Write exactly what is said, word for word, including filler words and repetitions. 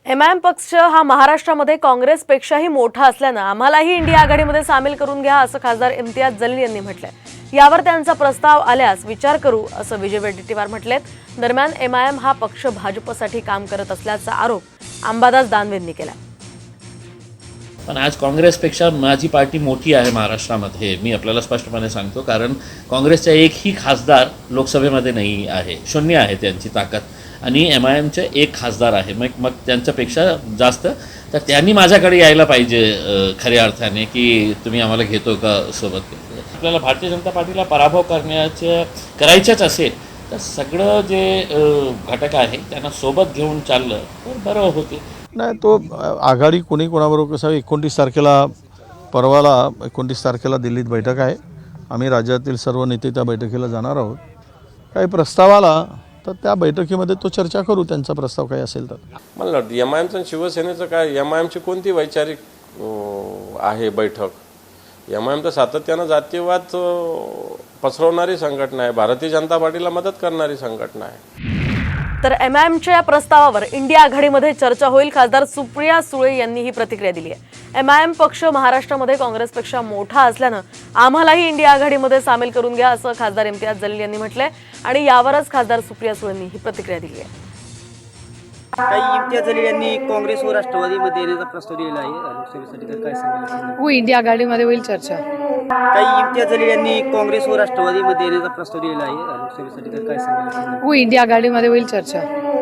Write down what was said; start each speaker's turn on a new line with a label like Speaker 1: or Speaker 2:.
Speaker 1: M I am पक्ष हा महाराष्ट्रामध्ये काँग्रेसपेक्षाही मोठा असल्यानं आम्हालाही इंडिया आघाडीमध्ये सामील करून घ्या असं खासदार इम्तियाज जलील यांनी म्हटलंय। यावर त्यांचा प्रस्ताव आल्यास विचार करू असं विजय वडेट्टीवार म्हटलेत। दरम्यान एम आय एम हा पक्ष भाजपसाठी काम करत असल्याचा आरोप अंबादास दानवेंनी केला।
Speaker 2: पण आज काँग्रेसपेक्षा माझी पार्टी मोठी आहे महाराष्ट्रामध्ये, मी आपल्याला स्पष्टपणे सांगतो। कारण काँग्रेसचा एकही खासदार लोकसभेमध्ये नाही आहे, शून्य आहे त्यांची ताकद, आणि एम आय एमचे एक खासदार आहे। मग मग त्यांच्यापेक्षा जास्त तर त्यांनी माझ्याकडे यायला पाहिजे खऱ्या अर्थाने की तुम्ही आम्हाला घेतो का सोबत। आपल्याला भारतीय जनता पार्टीला पराभव करण्याचे करायचेच असेल तर सगळं जे घटक आहे त्यांना सोबत घेऊन चाललं तर बरं होते।
Speaker 3: नाही, तो आघाडी कोणी कोणाबरोबर कसं एकोणतीस तारखेला परवाला एकोणतीस तारखेला दिल्लीत बैठक आहे। आम्ही राज्यातील सर्व नेते त्या बैठकीला जाणार आहोत। काही प्रस्ताव आला तर त्या बैठकीमध्ये तो चर्चा करू, त्यांचा प्रस्ताव काही असेल तर।
Speaker 4: मला एम आय एमचं शिवसेनेचं काय, एम आय एमची कोणती वैचारिक आहे बैठक? एम आय एम तर सातत्यानं जातीयवाद पसरवणारी संघटना आहे, भारतीय जनता पार्टीला मदत करणारी संघटना आहे।
Speaker 1: तर एम आय एमच्या या प्रस्तावावर इंडिया आघाडीमध्ये चर्चा होईल। खासदार सुप्रिया सुळे यांनी ही प्रतिक्रिया दिली आहे। एम आय एम पक्ष महाराष्ट्रामध्ये काँग्रेसपेक्षा मोठा असल्यानं आम्हालाही इंडिया आघाडीमध्ये सामील करून घ्या असं खासदार इम्तियाज जलील यांनी म्हटलंय, आणि यावरच खासदार सुप्रिया सुळेंनी ही प्रतिक्रिया दिली आहे।
Speaker 5: काही इम्तियाज जलील यांनी काँग्रेस व राष्ट्रवादीमध्ये येण्याचा प्रस्ताव दिलेला आहे लोकसभेसाठी, तर काय सांगाल?
Speaker 6: हो, इंडिया आघाडीमध्ये होईल चर्चा।
Speaker 5: काही इम्तियाज जलील यांनी काँग्रेस व राष्ट्रवादीमध्ये येण्याचा प्रस्ताव दिलेला आहे लोकसभेसाठी, तर काय सांगाल?
Speaker 6: हो, इंडिया आघाडीमध्ये होईल चर्चा।